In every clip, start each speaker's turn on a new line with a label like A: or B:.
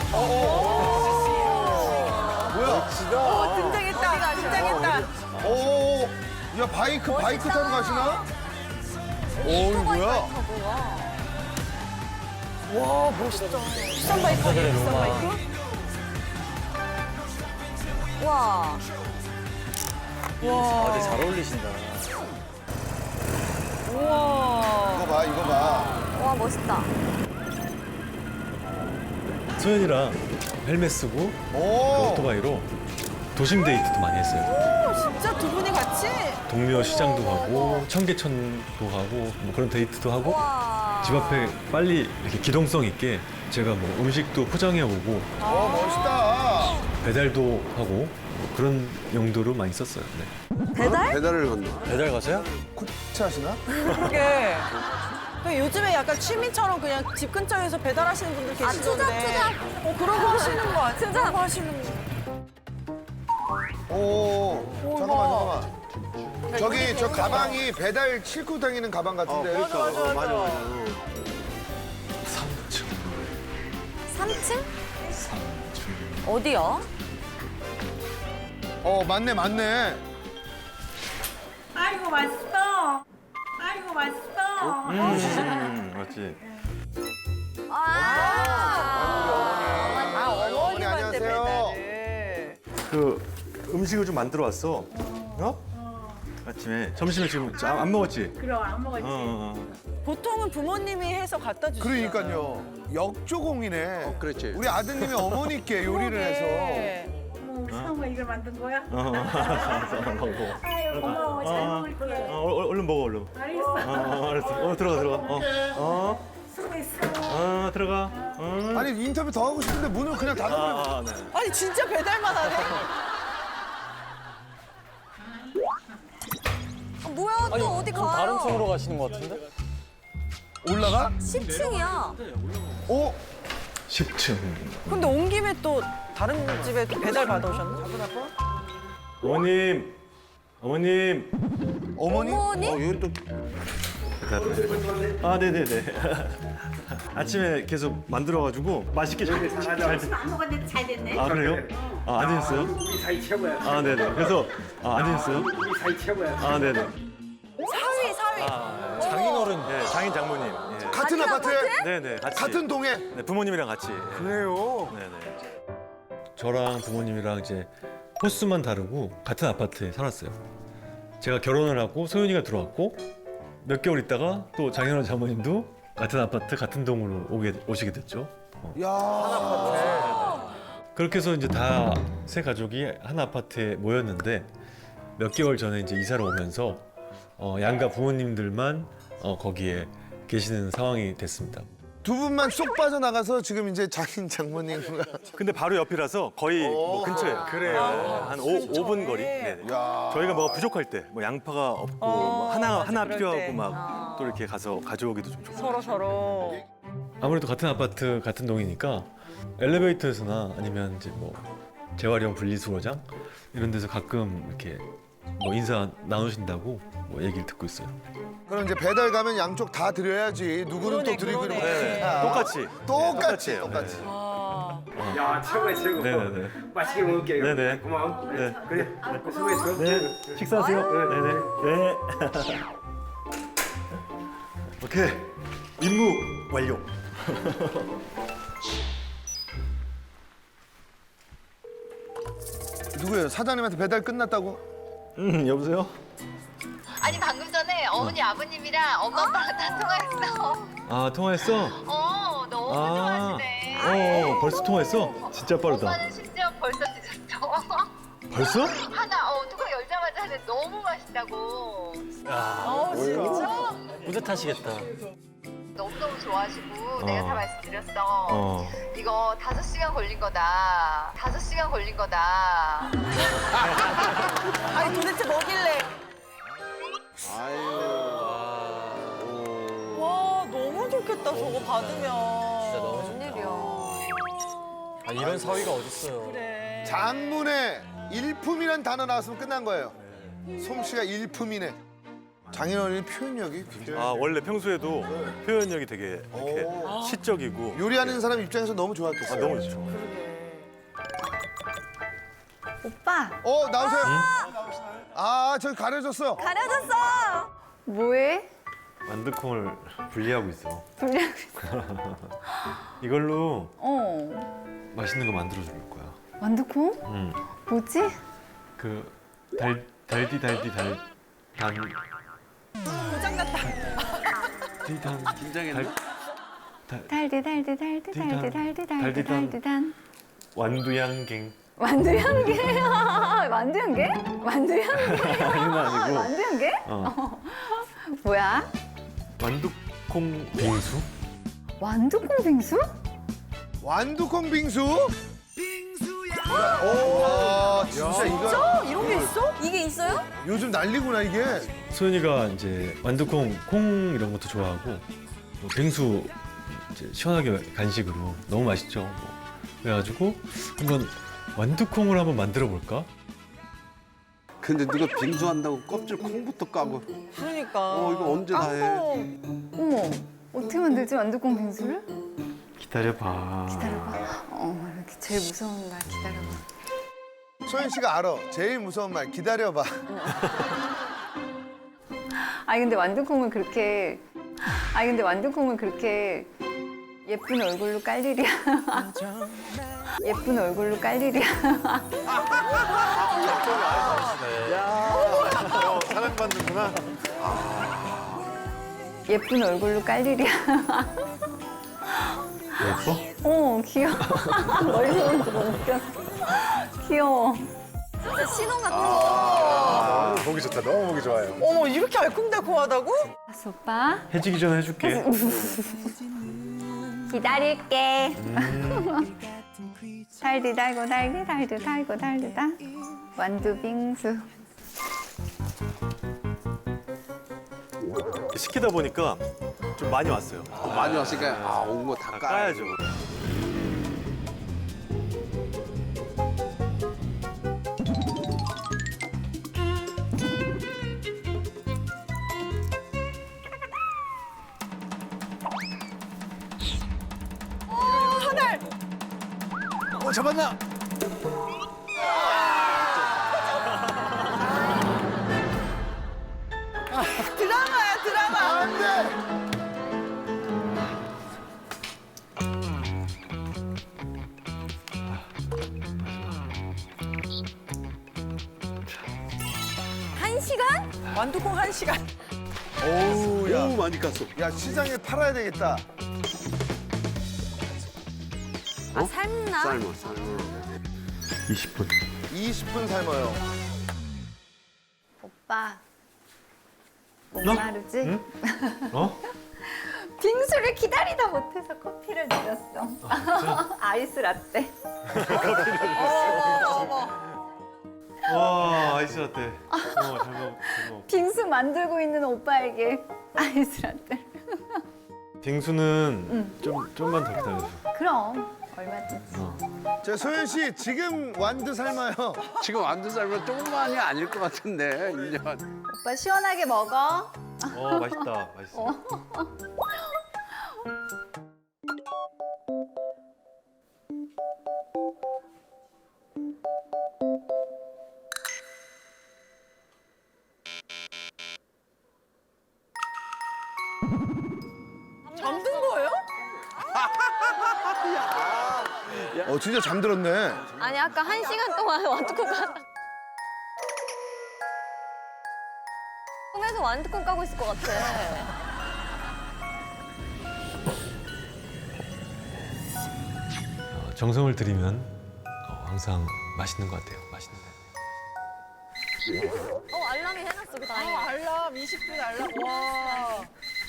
A: 뭐야?
B: 등장했다. 등장했다.
A: 오, 야 바이크 타고 가시나? 오, 이거 뭐야?
B: 와 멋있다. 비싼 바이크 아니에요? 비싼 바이크? 와. 와.
C: 되게 잘 어울리신다.
B: 우와.
A: 이거 봐, 이거 봐.
B: 와 멋있다.
D: 소연이랑 헬멧 쓰고
A: 오,
D: 오토바이로 도심 데이트도 많이 했어요.
B: 오, 진짜 두 분이 같이?
D: 동묘 시장도 가고 청계천도 가고 뭐 그런 데이트도 하고
B: 와.
D: 집 앞에 빨리 이렇게 기동성 있게 제가 뭐 음식도 포장해 오고
A: 멋있다.
D: 배달도 하고 뭐 그런 용도로 많이 썼어요. 네.
B: 배달?
A: 배달을 건너.
C: 배달 가세요?
A: 코치 하시나?
B: 그게. 요즘에 약간 취미처럼 그냥 집 근처에서 배달하시는 분들 계시던데. 그러고 하시는 거 같아요. 그러고 하시는 거.
A: 오, 잠깐만. 저기 저 가방이 배달 싣고 다니는 가방 같은데.
B: 맞아.
E: 3층? 어디요?
A: 맞네.
F: 아이고 맛있어. 아이고 맛있어.
D: 맞지.
A: 어머니 안녕하세요.
B: 배달을.
D: 그 음식을 좀 만들어 왔어. 아침에 점심에 지금 안 먹었지?
F: 그럼 안 먹었지.
B: 보통은 부모님이 해서 갖다 주시죠.
A: 그러니까요. 역조공이네. 그렇지. 우리 아드님이 어머니께 요리를 해서.
F: 뭐 상어 이걸 만든 거야?
D: 먹어.
F: 아유 고마워 잘 먹을게.
D: 얼른 먹어, 얼른.
F: 알겠어.
D: 알았어. 들어가.
F: 수고했어.
D: 들어가.
A: 아니 인터뷰 더 하고 싶은데 문을 그냥 닫아버려.
D: 네.
B: 아니 진짜 배달만 하네?
E: 뭐야 또 어디 가요?
C: 다른 층으로 가시는 것 같은데?
A: 올라가?
E: 10층이야.
A: 오,
D: 10층.
B: 근데 온 김에 또 다른 집에 또 배달 받아오셨나?
D: 어머님.
A: 어머니?
E: 어머니?
D: 네네네. 아침에 계속 만들어가지고 맛있게 잘
F: 안 먹었는데 잘 됐네.
D: 그래요? 안 드셨어요?
G: 우리 사이 최고야.
D: 네네. 그래서 안 드셨어요?
G: 우리 사이 최고야.
D: 네네.
B: 사위.
D: 장인어른. 네, 장인 장모님. 예.
A: 같은 아파트에?
D: 네네. 같이.
A: 같은 동에?
D: 네, 부모님이랑 같이.
A: 그래요.
D: 네네. 저랑 부모님이랑 이제 호수만 다르고 같은 아파트에 살았어요. 제가 결혼을 하고 소연이가 들어왔고 몇 개월 있다가 또 장인어른 장모님도 같은 아파트 같은 동으로 오시게 됐죠.
A: 야,
D: 그렇게 해서 이제 다 세 가족이 한 아파트에 모였는데 몇 개월 전에 이제 이사를 오면서 양가 부모님들만 거기에 계시는 상황이 됐습니다.
A: 두 분만 쏙 빠져나가서 지금 이제 장인 장모님과.
D: 근데 바로 옆이라서 거의 뭐 근처예요. 그래요. 한 5분 거리. 네네.
A: 야.
D: 저희가 뭐가 부족할 때, 뭐 양파가 없고 뭐 하나
B: 그럴
D: 필요하고
B: 때.
D: 막 또 이렇게 가서 가져오기도 좀 좋고.
B: 서로.
D: 아무래도 같은 아파트 같은 동이니까 엘리베이터에서나 아니면 이제 뭐 재활용 분리수거장 이런 데서 가끔 이렇게 뭐 인사 나누신다고 뭐 얘기를 듣고 있어요.
A: 그럼 이제 배달 가면 양쪽 다 드려야지. 누구는 또 드리고 이러면
B: 그러네.
A: 어떡해.
D: 똑같이.
A: 똑같이.
D: 해요.
A: 똑같이.
G: 야 최고야 최고.
D: 네네네.
G: 맛있게 먹을게.
D: 네네.
G: 고마워.
D: 네.
G: 그래. 수고했어.
D: 네. 식사하세요. 네네. 네. 오케이. 임무 완료.
A: 누구예요? 사장님한테 배달 끝났다고?
D: 여보세요?
H: 아니 방금 전에 어머니 아버님이랑 엄마 아빠랑 다 통화했어.
D: 통화했어?
H: 너무
D: 아.
H: 좋아하시네.
D: 벌써 통화했어? 진짜 빠르다.
H: 엄마는 심지어 벌써 드셨어.
D: 벌써?
H: 하나 뚜껑 열자마자 하는데 너무 맛있다고.
B: 진짜?
C: 뿌듯하시겠다.
H: 너무너무 좋아하시고 내가 다 말씀드렸어.
D: 어.
H: 이거 5시간 걸린 거다. 5시간 걸린 거다.
B: 아니 도대체 뭐길래? 와 너무 좋겠다 저거 받으면.
C: 진짜 너무 좋다.
E: 웬일이야.
C: 이런 사위가 어딨어요.
B: 그래.
A: 장문에 일품이란 단어 나왔으면 끝난 거예요. 솜씨가 일품이네. 장인어른이 표현력이 굉장히.
I: 아 원래 평소에도 표현력이 되게 이렇게
A: 오.
I: 시적이고
A: 요리하는 사람 입장에서 너무 좋았겠어요.
I: 너무 좋죠.
E: 오빠
A: 나오세요. 저기 가려졌어.
E: 가려졌어. 뭐해?
D: 완두콩을 분리하고 있어.
E: 분량.
D: 이걸로
E: 어.
D: 맛있는 거 만들어 줄 거야.
E: 완두콩?
D: 응.
E: 뭐지?
D: 그 달디 단
B: 고장났다.
D: 긴장했나?
E: 달디단.
D: 완두양갱.
E: 완두향게. 완두향게? 완두향게.
D: 이건 아니고.
E: 완두향게? 뭐야?
D: 완두콩 빙수?
E: 완두콩 빙수?
A: 완두콩 빙수? 오, 진짜 이거
B: 이런 게 있어?
E: 이게 있어요?
A: 요즘 난리구나 이게.
D: 소연이가 이제 완두콩 콩 이런 것도 좋아하고 뭐 빙수 이제 시원하게 간식으로 너무 맛있죠. 뭐. 그래가지고 한번 완두콩을 한번 만들어 볼까?
J: 근데 누가 빙수한다고 껍질 콩부터 까고
B: 그러니까.
J: 이거 언제 다 해?
E: 어머, 어떻게 만들지 완두콩 빙수를?
D: 기다려봐.
E: 기다려봐. 이렇게 제일 무서운 날 기다려봐.
A: 소연 씨가 알아. 제일 무서운 말 기다려봐.
E: 근데 완두콩을 그렇게 예쁜 얼굴로 깔 일이야. 예쁜 얼굴로 깔 일이야.
I: 사랑받는구나.
E: 예쁜 얼굴로 깔 일이야.
D: 예뻐?
E: 귀여워. 멀리서 보니까 너무 웃겼어. 귀여워. 진짜 신혼 같은 거.
I: 너무 보기 좋다. 너무 보기 좋아요.
B: 어머, 이렇게 알콩달콩하다고?
E: 알았어, 오빠.
D: 해지기 전에 해줄게.
E: 기다릴게. 달디 달고 달디 달디 달고 달디다. 완두 빙수.
I: 시키다 보니까 좀 많이 왔어요.
J: 많이 왔으니까 온 거 다
I: 까야죠. 잡았나?
B: 드라마야, 드라마.
A: 안 돼.
E: 한 시간?
B: 완두콩 1시간.
A: 오우, 야.
J: 너무 많이 깠어.
A: 야, 시장에 팔아야 되겠다.
E: 삶나?
J: 삶아.
D: 20분.
A: 20분 삶아요.
E: 오빠.
D: 너?
E: 목마르지?
D: 응? 어?
E: 빙수를 기다리다 못해서 커피를 내렸어. 아이스 라떼.
D: 와 아이스 라떼. 잘 먹어.
E: 빙수 만들고 있는 오빠에게 아이스 라떼.
D: 빙수는 좀만 더 기다려줘.
E: 그럼 얼마든지.
A: 자, 소연 씨 지금 완두 삶아요.
J: 지금 완두 삶은 조금만이 아닐 것 같은데 1년.
E: 오빠 시원하게 먹어.
D: 맛있다. 맛있어.
B: 잠든 거예요?
A: 진짜 잠들었네.
E: 아니 아까 1시간 동안 완두콩 까다. 꿈에서 완두콩 까고 있을 것 같아.
D: 정성을 들이면 항상 맛있는 것 같아요. 맛있는 거.
E: 알람이 해놨어 그 다행이야.
B: 알람, 20분 알람. 와.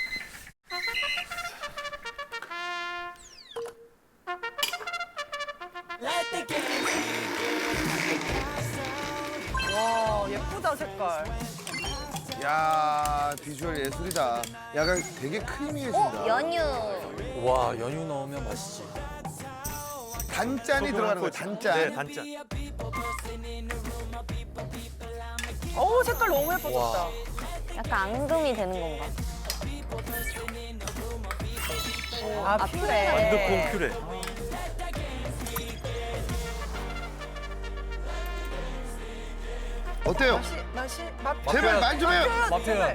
B: 와, 예쁘다, 색깔.
A: 야, 비주얼 예술이다. 약간 되게 크리미해진다.
E: 연유.
C: 와 연유 넣으면 맛있지.
A: 단짠이 들어가는 거야, 단짠.
I: 네, 단짠.
B: 어우, 색깔 너무 예뻐졌다.
E: 약간 앙금이 되는 건가?
B: 아, 퓨레.
D: 완두콩 퓨레.
A: 어때요?
B: 맛.
A: 제발 말 좀 해요.
C: 마표현.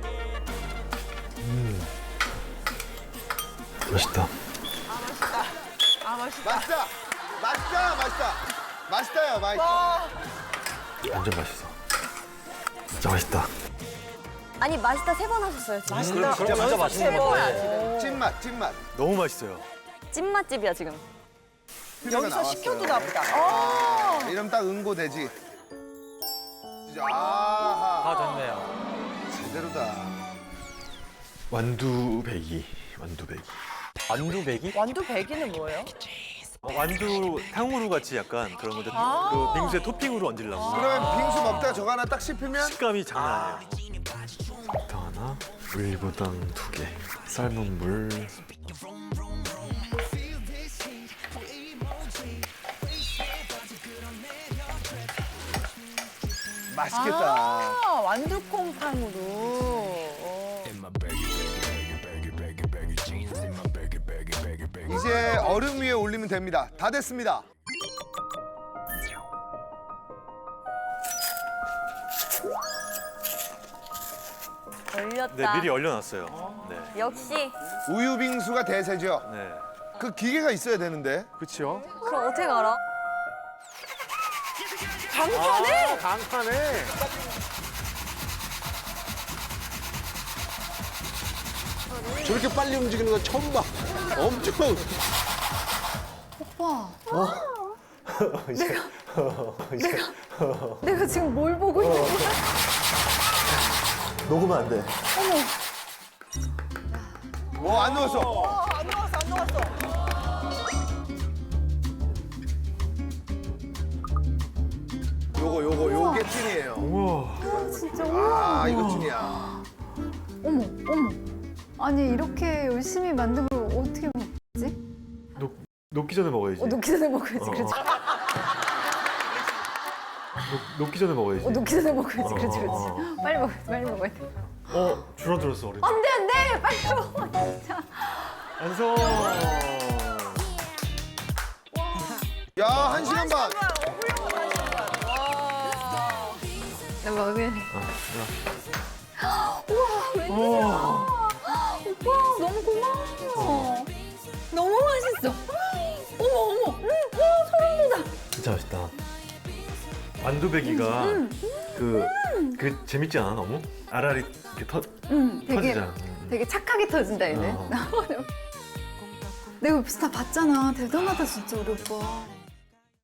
D: 맛있다.
B: 아, 맛있다.
A: 맛있다. 맛있다. 맛있다. 맛있다요. 맛있다.
D: 완전 맛있어. 진짜 맛있다.
E: 아니 맛있다 3번 하셨어요 지금.
B: 맛있다.
C: 진짜 맛있는 거 같아.
A: 찐맛, 찐맛.
D: 너무 맛있어요.
E: 찐맛집이야 지금.
A: 퓨레가
B: 여기서
A: 나왔어요.
B: 시켜도 나보다.
A: 이러면 딱 응고되지. 아하.
C: 다 됐네요.
A: 제대로다.
D: 완두배기. 완두배기.
C: 완두배기?
B: 완두 배기는 뭐예요?
D: 완두 탕후루 같이 약간 그런 건데
B: 아.
D: 그 빙수에 토핑으로 얹으려고.
A: 그러면 빙수 먹다가 저거 하나 딱 씹히면
D: 식감이 장난 아니에요. 설탕 하나, 물보당 2개, 삶은 물.
A: 맛있겠다.
B: 아, 완두콩탕으로.
A: 이제 얼음 위에 올리면 됩니다. 다 됐습니다.
E: 얼렸다.
D: 네, 미리 얼려놨어요. 네.
E: 역시.
A: 우유 빙수가 대세죠.
D: 네.
A: 그 기계가 있어야 되는데.
I: 그렇죠.
E: 그럼 어떻게 알아?
B: 강판에?
I: 강판에.
J: 저렇게 빨리 움직이는 건 처음 봐. 엄청.
E: 내가 지금 뭘 보고 있는 거야?
D: 녹으면 안 돼.
A: 안 넣었어.
B: 안 녹았어, 안 녹았어.
A: 요게 찐이에요.
D: 우와.
E: 진짜
A: 아, 이거 찐이야.
E: 어머 어머. 아니 이렇게 열심히 만든 걸 어떻게 먹지?
D: 녹기 전에 먹어야지.
E: 녹기 전에 먹어야지. 그렇지.
D: 녹기 전에 먹어야지.
E: 녹기 전에 먹어야지. 그렇지 그렇지.
D: 어.
E: 빨리 먹어야지. 빨리 먹어야 돼.
D: 줄어들었어 얼음.
E: 안돼 안돼. 빨리 먹어 진짜.
D: 완성.
A: 야, 1시간 반.
E: 나 먹을래. 우와 웬일이야. 오빠 너무 고마워. 너무 맛있어. 어머 어머. 와 소름 돋아.
D: 진짜 맛있다. 완두배기가 그 재밌지 않아 너무? 알알이 이렇게
E: 되게
D: 터지잖아.
E: 되게 착하게 터진다 얘네. 내가 옆에서 다 봤잖아. 대단하다 진짜 우리 오빠.